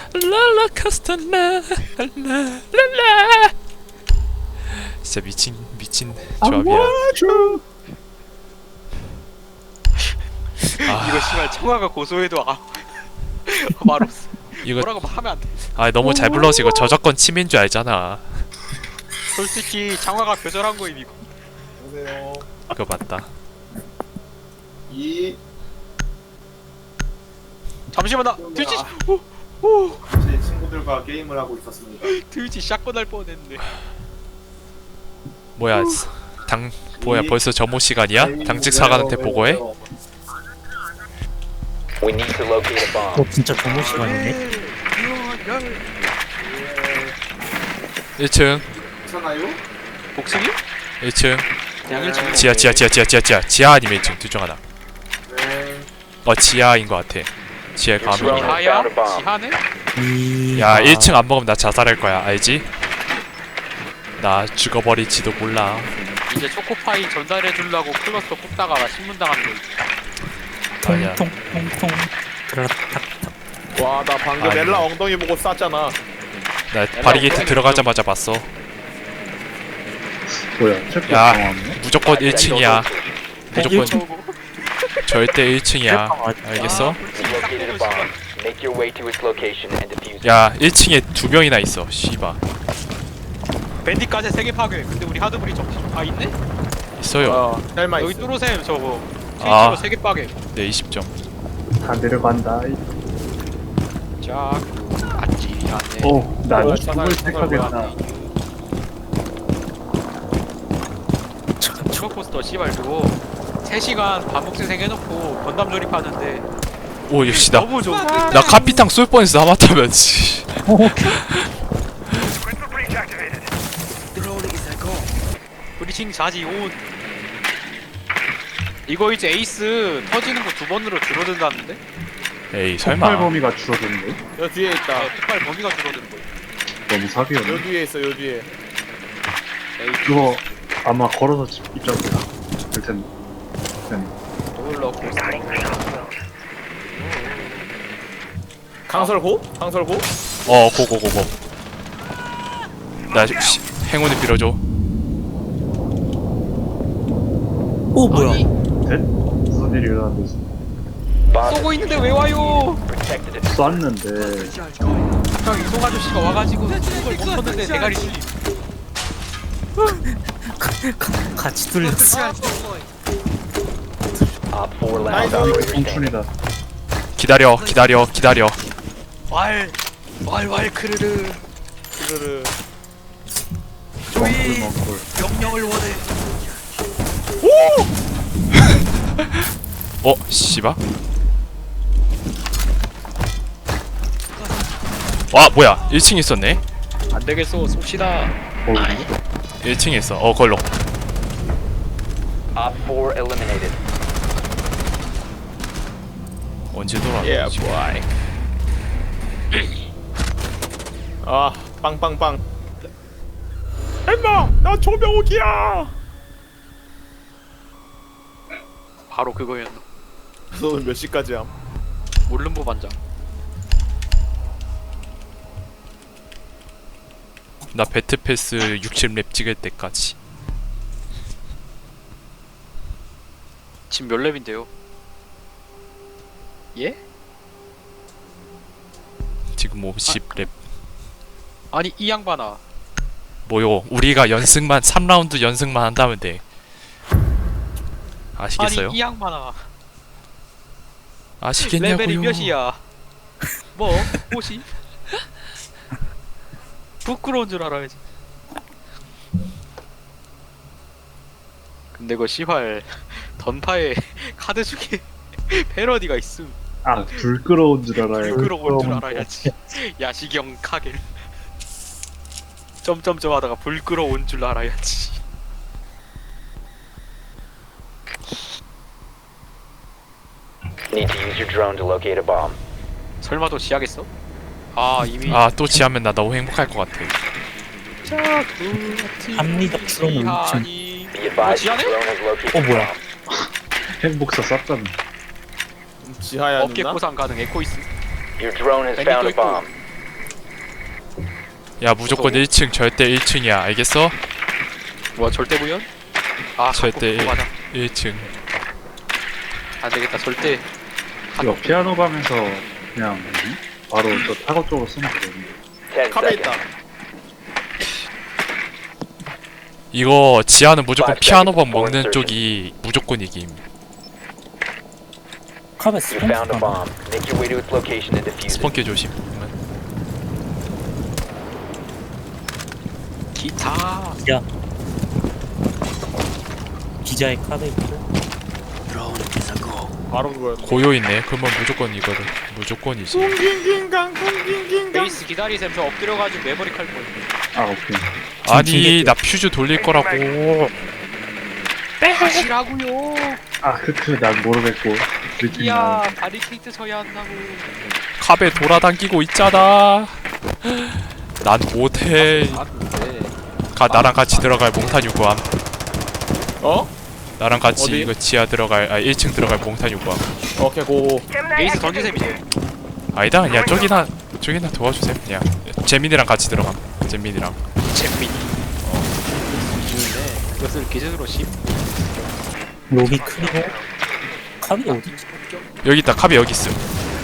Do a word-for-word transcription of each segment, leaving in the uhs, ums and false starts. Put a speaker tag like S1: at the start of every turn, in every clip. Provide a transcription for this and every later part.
S1: 롤러코스터 라라라라. 진짜 미친 미친 조합이야. 아,
S2: 이거 씨발 청아가 고소해도 아 말 없어.
S1: 이거
S2: 뭐라고 하면 안 돼.
S1: 아 너무 잘 불러서 이거 저작권 침해인 줄 알잖아.
S2: 솔직히 청아가 표절한 거임 이거.
S3: 안녕하세요.
S1: 그거 맞다.
S3: 이
S2: 잠시만 나 트위치
S3: 아.
S2: 오, 오
S3: 제 친구들과 게임을 하고 있었습니다.
S2: 트위치 샷건 할 뻔했네.
S1: 뭐야 당 뭐야 벌써 점호 시간이야? 당직 사관한테 보고해?
S4: We need to locate a bomb.
S5: 어 진짜 정모 시간이네.
S1: 일 층
S3: 괜찮아요?
S2: 복승이?
S1: 일 층
S2: 그냥 일 층.
S1: 지하 지하 지하 지하 지하 지하 지하 아니면 일 층 둘 중 하나.
S3: 네.
S1: 어 지하인 것 같아. 지하에 가면
S2: 지하야? 지하네?
S1: 야 일 층 안 먹으면 나 자살할 거야 알지? 나 죽어버릴지도 몰라.
S2: 이제 초코파이 전달해 주려고 클러스터 꼽다가 신문 당한 거.
S1: 아니야.
S5: 통통통통. 그렇다.
S6: 와, 나 방금
S1: 아니.
S6: 엘라 엉덩이 보고 쌌잖아.
S1: 나 바리게이트 들어가자마자 봤어.
S7: 뭐야? 체크
S1: 야
S7: 당황하네?
S1: 무조건 일 층이야. 무조건
S2: 고
S1: 절대 일 층이야. 알겠어?
S4: You located a bomb. Make your way to its location and defuse it.
S1: 야 일 층에 두 명이나 있어. 씨바
S2: 밴디까지 세개 파괴. 근데 우리 하드브리 정아 있네?
S1: 있어요.
S6: 어, 셀마
S2: 여기
S6: 있어.
S2: 뚜로셈 저거.
S1: 아.
S2: 트위치로 세개 파괴.
S1: 네 이십 점.
S7: 다 내려간다.
S2: 자, 안지 않네.
S7: 어, 나
S6: 뭐야,
S7: 죽을
S6: 사살,
S7: 택하겠다.
S2: 초코스터 씨발 그거 세 시간 반복재생 해놓고 건담 조립하는데
S1: 오 역시 나
S2: 너무 좋아.
S1: 나 카피탕 쏠 뻔했어 하마터면. 씨.
S2: 브리칭 자지 온. 이거 이제 에이스 터지는 거 두 번으로 줄어든다는데?
S1: 에이
S7: 폭발
S1: 설마.
S7: 범위가 줄어드는데?
S6: 여 뒤에 있다.
S2: 아, 폭발 범위가 줄어드는 거.
S7: 너무
S6: 요
S7: 사기였네.
S6: 뒤에 있어, 요 뒤에.
S2: 에이
S7: 그거 아마 걸어서 집 입장이야. 될 텐데. 네.
S2: 롤러코스터.
S6: 강설고? 강설고?
S1: 어 고고고고. 나 씨, 행운을 빌어줘.
S5: 오 뭐야?
S2: 아니,
S7: 된? 무슨 일이 일어났는지.
S4: Bomb
S2: 쏘고 있는데 왜 와요?
S4: protected it.
S7: 쐈는데
S2: 형 이송 아저씨가 와가지고 쏘는 걸 멈췄는데 대가리 뚫림.
S5: 같이 뚫렸어.
S4: Op four
S6: 나이스.
S4: last
S7: 이거
S4: operator standing.
S7: 청춘이다.
S1: 기다려 기다려 기다려.
S2: 왈, 왈왈 크르르.
S6: 그거를.
S7: 먹골 먹골.
S2: 명령을 원해.
S1: 어 씨바. 와 뭐야 일 층에 있었네.
S2: 안 되겠어, 쏩시다.
S7: 어,
S1: 일 층에 있어. 어 걸로.
S4: Op four eliminated.
S1: 언제 돌아?
S6: Yeah, boy. 아, 빵빵빵. 엠마, 나 조명욱이야.
S2: 바로 그거였나?
S6: 너는 몇 시까지 함?
S2: 몰름보 반장.
S1: 나 배트패스 육십 렙 찍을 때까지.
S2: 지금 몇 렙인데요? 예?
S1: 지금 뭐 십 렙.
S2: 아니 이 양반아.
S1: 뭐요? 우리가 연승만 삼 라운드 연승만 한다면 돼. 아시겠어요?
S2: 아니 이 양반아.
S1: 아시겠냐고요?
S2: 레벨이 몇이야? 뭐? 옷이? 부끄러운 줄 알아야지. 근데 그 씨발 던파에 카드 중에 패러디가 있음.
S7: 아, 불끄러운 줄 알아요.
S2: 부끄러운 줄 알아야지. 야시경 카겔. 점점점 하다가 불끄러운 줄 알아야지.
S4: Need to use your drone to locate a bomb.
S2: 설마 또 지하겠어? 아 이미
S1: 아 또 지하면 나 너무 행복할 것 같아.
S5: 합리적 추론은 좀-
S2: 지하니.
S4: Be advised,
S2: 어,
S4: your
S2: 지하네?
S4: drone has located
S5: 어
S4: a
S5: 뭐야?
S4: bomb.
S7: 행복사 쌌잖아.
S6: 지하야
S2: 어깨
S6: 누나?
S2: 보상 가능 에코이스.
S4: Your drone has
S2: 밴딩도
S4: found a
S2: 있고.
S4: bomb.
S1: 야 무조건 일 층 절대 일 층이야 알겠어?
S2: 뭐 절대 구현? 아
S1: 절대
S2: 갖고 맞아.
S1: 일 층.
S2: 안 되겠다 절대.
S7: 이거 피아노 밤에서 그냥 바로 저 타고 쪽으로 쓰면 되거든요.
S4: ten
S6: 카베
S4: seconds.
S6: 있다.
S1: 이거 지하는 무조건
S4: Five
S1: 피아노밥
S4: seconds before
S1: 먹는
S4: insertion.
S1: 쪽이 무조건 이김.
S5: 카베
S4: You
S5: 스폰
S4: found a bomb. Make your way to its location and defuse it.
S1: 스폰키 조심.
S2: 기타.
S5: 기자. 기자의 카베 있고.
S6: 바로 그거야.
S1: 고요 있네. 그러면 무조건 이거든. 무조건이지.
S6: 꿍낑낑강 꿍낑낑강.
S2: 베이스 기다리셈 저 엎드려가지고 메모리 칼 거예요.
S7: 아 오케이.
S1: 아니 나 퓨즈 돌릴 거라고.
S2: 하시라고요.
S7: 아 크크 난 모르겠고. 리튼
S2: 이야
S7: 나
S2: 바리케이트 쳐야 한다고.
S1: 카베 돌아다니고 있잖아. 난 못해.
S2: 아 근데
S1: 가 나랑 같이 들어갈 몽탄 유구함.
S6: 어?
S1: 나랑 같이
S6: 어디?
S1: 이거 지하 들어갈 아 일 층 들어갈 몽탄 유구함.
S6: 오케이 고.
S2: 베이스 던지셈 이제.
S1: 아니다 그냥 저기나 저기나 도와주세요. 그냥 재민이랑 같이 들어감. 재민이랑.
S2: 잼민이. 어. 그것을 기준으로 심.
S5: 로비 크리고. 카베 어디 있지?
S1: 여기 있다. 카베 여기 있음.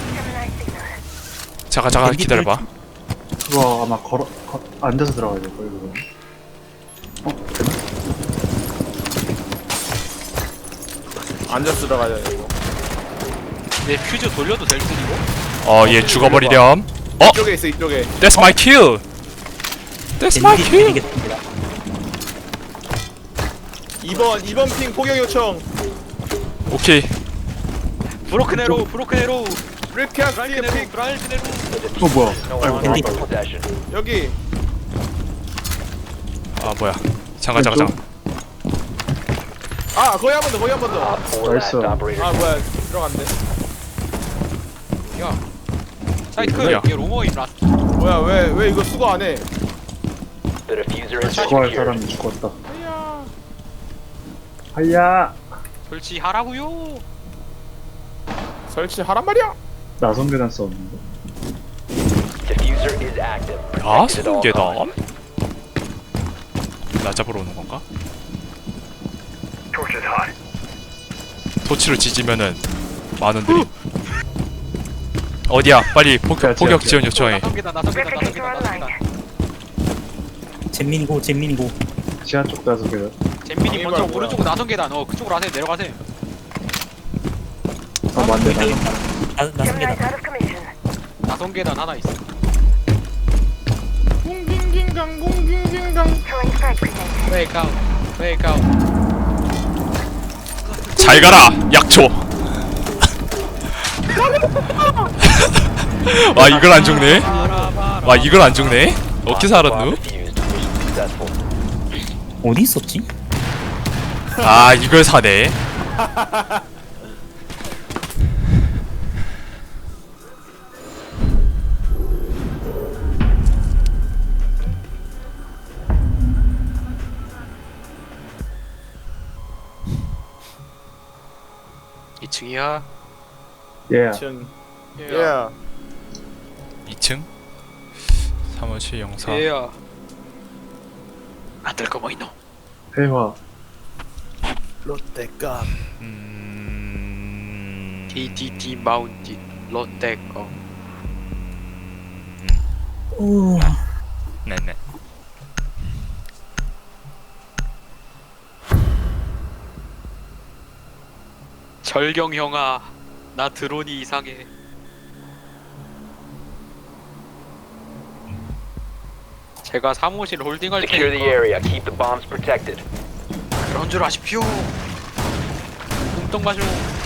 S1: 잠깐 잠깐
S5: 밴디트
S1: 기다려봐.
S7: 그거 아마 걸어 거, 앉아서 들어가야 될 거예요 그거. 어 되나?
S6: 앉아서 들어가야 돼 이거.
S2: 내 퓨즈 돌려도 될 뿐이고.
S1: 어 얘 죽어버리렴. 어?
S6: 이쪽에 있어 이쪽에.
S1: That's my kill. That's my
S5: 밴디
S1: kill.
S5: 드리겠습니다.
S6: 이 번 이 번 핑 포격 요청.
S1: 오케이.
S2: 브로큰 에로 브로큰 에로.
S6: 리캐스트
S2: 브라이튼 에로
S6: 핑
S2: 브라이튼 에로.
S7: 어 뭐야?
S4: No
S7: 아이고
S4: longer in
S7: 나왔다.
S4: your possession.
S6: 여기.
S1: 아 뭐야. 잠깐 잠깐 잠깐.
S6: 아 거기 한 번 더 거기 한 번 더.
S4: Op four last
S7: Nice.
S4: operator.
S6: 아 뭐야 들어갔네.
S2: 야. 사이트
S1: 뭐야?
S2: 이게 로머임 라.
S6: 뭐야 왜 왜 이거 수거 안 해?
S4: The diffuser is
S7: 죽어야 할
S4: secured.
S7: 사람이 죽었다. 하야.
S2: 설치하라고요.
S6: 설치하란 말이야.
S7: 나선 계단 썼는데.
S4: Diffuser is active.
S1: 아
S4: Protected at all
S1: 성계담?
S4: costs.
S1: 나 잡으러 오는 건가? 토치로 지지면은 많은들이. 어디야? 빨리 포격
S7: 야,
S1: 포격
S7: 야,
S1: 지원 요청해.
S2: 나성계다 나성계다 나성계다 나성계다.
S5: 잼민이고 잼민이고.
S7: 지하 쪽 나선 계단.
S2: 잼민이
S6: 이거
S2: 먼저
S6: 뭐야?
S2: 오른쪽으로 나성계다. 어 그쪽으로 하세요. 내려가세요.
S7: 아 맞네. 나선.
S5: 나 나성계다.
S2: 나성계단 하나 있어.
S6: 꿍낑낑강 꿍낑낑강.
S2: 웨이크아웃 웨이크아웃.
S1: 잘 가라 약초. 와 이걸 안 죽네. 와 이걸 안 죽네. 어떻게 살았누?
S4: Diffused. Mission successful.
S5: 어디 있었지?
S1: 아 이걸 사네.
S2: 이 층이야.
S7: 예.
S6: 층. 예.
S1: 이 층 삼오칠 영사.
S2: 얘야. 안될 거 뭐 있노?
S7: 회화.
S6: 롯데감.
S1: 음...
S2: 디디디 마운틴 롯데거.
S5: 오.
S1: 네네.
S2: 절경 형아, 나 드론이 이상해. 제가 사무실 홀딩할
S4: Secure the
S2: 테니까
S4: area. Keep the bombs protected.
S2: 그런 줄 아십시오. 뚱뚱 마쇼.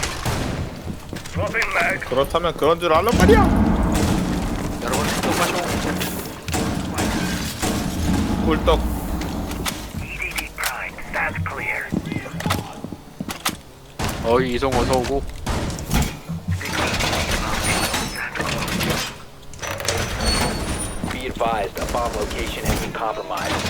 S6: 그렇다면 그런 줄 알란 말이야.
S2: 여러분 뚱뚱 마쇼.
S6: 꿀떡.
S2: 어이 이송 어서 오고.
S4: Be advised, a bomb location has been compromised.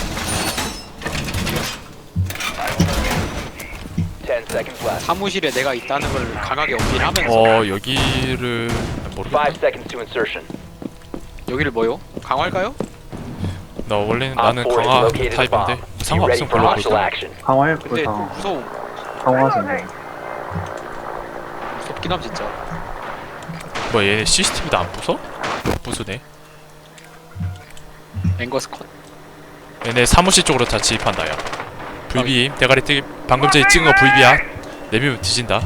S4: Ten seconds left.
S2: 사무실에 내가 있다는 걸 강하게 어필하면서
S1: 어 여기를 모르겠다.
S4: Five seconds to insertion.
S2: 여기를 뭐요? 강화할까요?
S1: 나 원래는
S4: Op
S1: 나는
S4: four has
S1: 강화
S4: located a bomb.
S1: 타입인데
S4: Be ready
S1: 상관없음
S4: for
S1: 별로
S4: hostile
S1: 보다.
S4: action.
S7: 강화해
S2: 근데
S7: 그걸
S2: 좀
S7: 강화
S2: 무서워.
S7: 강화하자.
S2: 무섭긴 함 진짜.
S1: 뭐 얘네 씨씨티비도 안 부숴? 부수네.
S2: 앵거스 컷.
S1: 얘네 사무실 쪽으로 다 진입한다 야. 브이비 대가리 뜨기 방금 전에 찍은 거 브이비야. 내비면 뒤진다.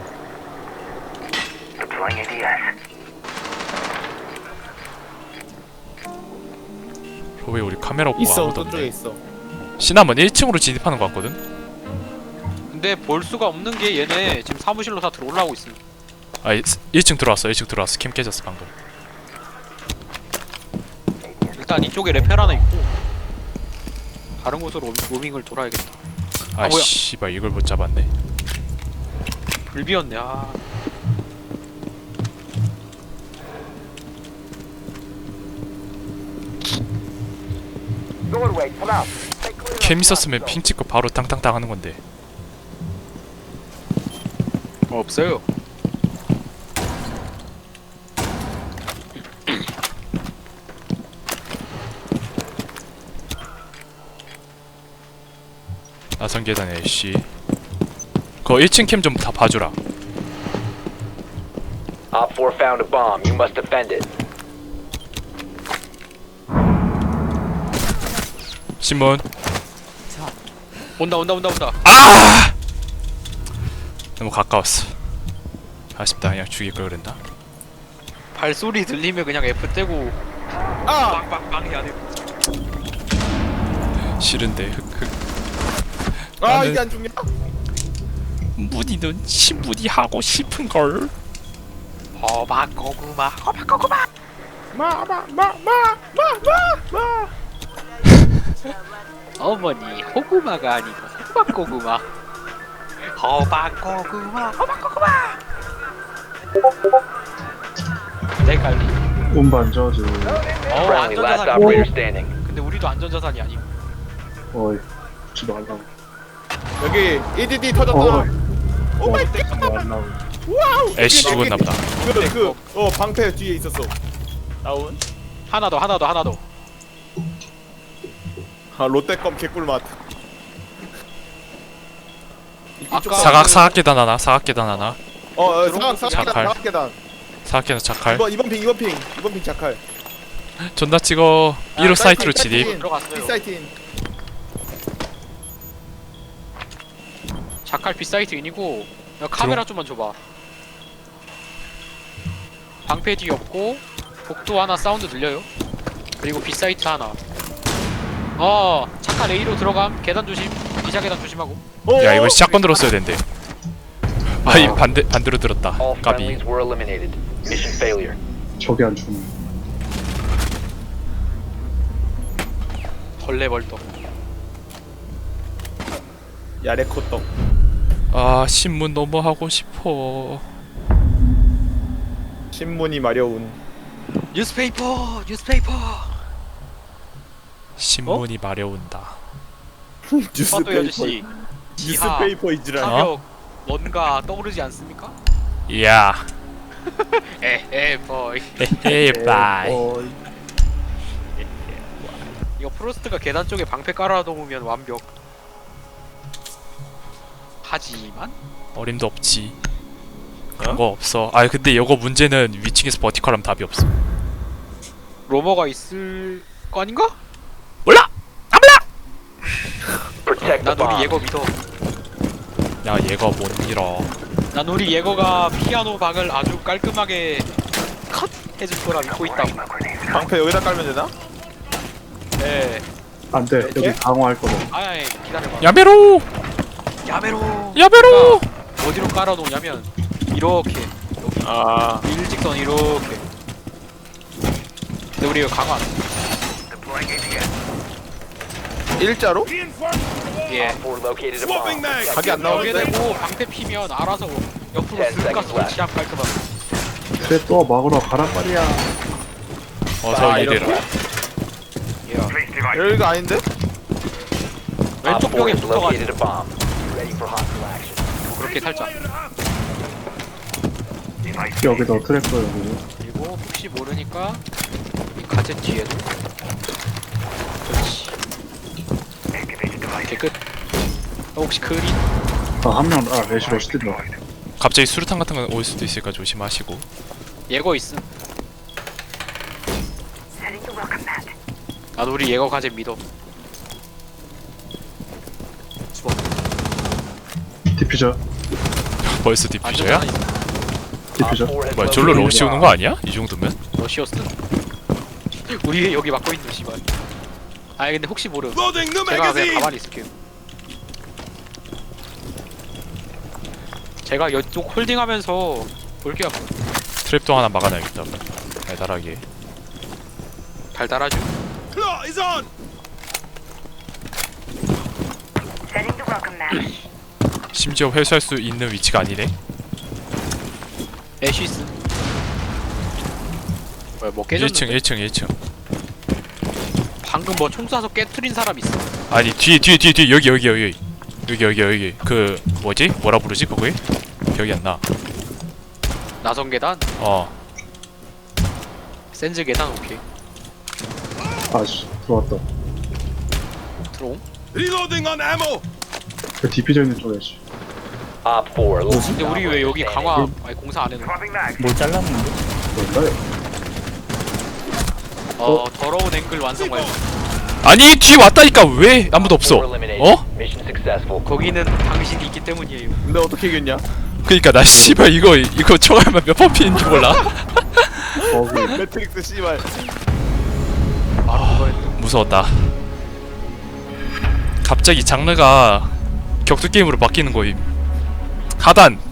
S1: 왜 우리 카메라 없고
S6: 있어
S1: 아무도
S6: 저쪽에
S1: 없네.
S6: 있어.
S1: 시나몬 일 층으로 진입하는 거 같거든?
S2: 근데 볼 수가 없는 게 얘네 지금 사무실로 다 들어올라오고 있음.
S1: 아 일 층 들어왔어 일 층 들어왔어. 캠 깨졌어 방금.
S2: 일단 이쪽에 레펠 하나 있고 다른 곳으로 로- 로밍을 돌아야겠다.
S1: 아
S2: 뭐야?
S1: 씨발 이걸 못 잡았네.
S2: 불비였네. 아.
S1: 캠 있었으면 핑 찍고 바로 땅땅땅 하는 건데.
S2: 없어요.
S1: 나선 계단에 씨. 그거 일 층 캠 좀 다 봐주라.
S4: Op four found a bomb. You must defend it.
S1: 신문.
S2: 온다 온다 온다 온다.
S1: 아! 너무 가까웠어. 아쉽다. 그냥 죽일 걸 그랬나?
S2: 발소리 들리면 그냥 F 떼고
S6: 아!
S2: 빵빵빵 해야 돼.
S1: 싫은데 흑흑.
S6: 아
S1: 나는-
S6: 이게 안 죽냐?
S1: 무늬는 신무늬 하고 싶은 걸.
S2: 호박 고구마 호박 고구마.
S6: 마마마마마마
S2: 어머니 호구마가 아니고 호박 고구마. 호박 고구마 호박 고구마. 내가
S7: 운반 저주.
S2: 어
S4: Friendly, last
S2: 안전자산.
S4: operator standing.
S2: 근데 우리도 안전자산이 아님.
S7: 어이 지도 안 나오고.
S6: 여기 이디디 터졌다.
S7: 어이.
S6: 오 마이
S7: 지도 안 나오고.
S6: 와우.
S1: 애쉬 죽었나보다.
S6: 그그어 방패 뒤에 있었어. 다운.
S2: 하나 더 하나 더 하나 더.
S6: 아 롯데껌 개꿀맛.
S2: 아까
S1: 사각
S2: 그-
S1: 사각 계단 하나. 사각 계단 하나.
S6: 어, 어
S2: 들어온
S6: 사각
S2: 곳이
S6: 사각 계단
S1: 약할.
S6: 사각 계단.
S1: 사각 계단 자칼.
S6: 이번 이번 핑 이번 핑 이번 핑 자칼.
S1: 존나 찍어. 삐로
S6: 아,
S1: 사이트로
S6: 사이트,
S1: 진입.
S6: 사이트.
S2: 들어갔어요.
S6: 비사이트인.
S2: 자칼 빗사이트인이고 야, 카메라 좀만 줘봐. 방패 뒤 없고 복도 하나 사운드 들려요. 그리고 빗사이트 하나. 어 자칼 A로 들어감. 계단 조심. 기자 계단 조심하고.
S6: 어,
S1: 야 이거 샷건 들었어야 된대. 아이 반대 반대로 들었다.
S4: All
S1: 까비.
S4: friendlies were eliminated. Mission failure.
S7: 저게 안 죽네.
S2: 벌레벌떡.
S6: 야레코떡.
S1: 아 신문 너무 하고 싶어.
S6: 신문이 마려운.
S2: 뉴스페이퍼 뉴스페이퍼.
S1: 신문이 마려운다.
S2: 파도 아저씨. 지하
S6: 뉴스페이퍼 이지라.
S1: 어?
S2: 사격 뭔가 떠오르지 않습니까?
S1: 야.
S2: 에에 보이.
S1: 헤헤 바이.
S6: 어,
S2: 이거 프로스트가 계단 쪽에 방패 깔아놓으면 완벽. 하지만
S1: 어림도 없지. 그런 거 없어. 아 근데 이거 문제는 위층에서 버티컬하면 답이 없어.
S2: 로머가 있을 거 아닌가?
S1: 몰라.
S4: Protect the
S2: 난 우리
S4: bomb.
S2: 예거 믿어.
S1: 야 얘가 못 밀어.
S2: 난 우리 예거가 피아노 박을 아주 깔끔하게 컷 해줄 거라 믿고 있다.
S6: 방패 여기다 깔면 되나?
S2: 네.
S7: 안 돼. 여기
S6: 예?
S7: 강화할 거다.
S2: 아야 기다려봐.
S1: 야메로.
S2: 야메로.
S1: 야메로.
S2: 어디로 깔아놓냐면 이렇게 여기
S6: 아
S2: 일직선 이렇게. 근데 우리 이거 강화 안 해.
S6: 일자로?
S2: 예.
S4: Op four located a bomb. Protect
S6: 각이 안
S4: it.
S2: 여기
S6: 나오는데?
S2: 되고 방패 피면 알아서 옆으로
S4: Ten
S2: 쓱 가서
S4: seconds left.
S2: 설치함 깔끔하게.
S7: 그래 또 막으러 가란 말이야.
S1: 어서
S6: 아,
S1: 이래라.
S2: 예.
S6: 여기가 아닌데?
S2: 왼쪽
S4: Op four
S2: 벽에
S4: has located
S2: 붙어가지고
S4: a bomb. Ready for hostile action.
S2: 그렇게 살짝.
S7: 여기다 트랙터 여기.
S2: 그리고 혹시 모르니까 이 가젯 뒤에도 저기 끝. 어, 혹시 그린?
S7: 아한명 아 레시 러시 들어.
S1: 갑자기 수류탄 같은 거 올 수도 있으니까 조심하시고.
S2: 예거 있음. 나도 우리 예거 가제 믿어. 죽어.
S7: 디퓨저
S1: 벌써 디퓨저야?
S2: 안전하니
S7: 디퓨저.
S4: Op four has
S1: 뭐야 졸로
S4: located
S1: 러시 오는 거 아니야? 이 정도면?
S2: 러시어스. 우리 여기 막고 있는 씨발. 아니 근데 혹시 모르. 제가 그냥 가만히 있을게요. 제가 이쪽 홀딩하면서 볼게요.
S1: 트랩도 하나 막아놔야겠다. 달달하게.
S2: 달달하죠.
S1: 심지어 회수할 수 있는 위치가 아니네.
S2: 애쉬스. 뭐야 뭐
S1: 일
S2: 깨졌는데?
S1: 층 일 층 일 층.
S2: 방금 뭐 총 쏴서 깨트린 사람 있어.
S1: 아니 뒤에 뒤에 뒤에 뒤에 여기 여기 여기 여기 여기 여기 그 뭐지? 뭐라 부르지 거기? 기억이 안 나.
S2: 나선 계단,
S1: 어.
S2: 센즈 계단 오케이.
S7: 아씨 들어왔다.
S2: 들어옴.
S7: 그 디퓨저 있는 쪽에 씨.
S4: Op four located
S2: 근데 우리 왜 여기 강화 아니 공사 안 해놓은?
S5: 뭘 잘랐는데?
S7: 뭘까요?
S2: 어 더러운 앵글 완성 완료.
S1: 아니 뒤에 왔다니까 왜 아무도 없어?
S4: Four eliminated.
S1: 어?
S4: Mission successful.
S2: 거기는 당신이 있기 때문이에요.
S6: 근데 어떻게 이겼냐?
S1: 그니까 나 씨발 이거 이거 총알만 몇 번 피는지 몰라.
S7: 버그.
S6: 매트릭스 씨발.
S2: 아 그거 했다.
S1: 무서웠다. 갑자기 장르가 격투 게임으로 바뀌는 거임. 하단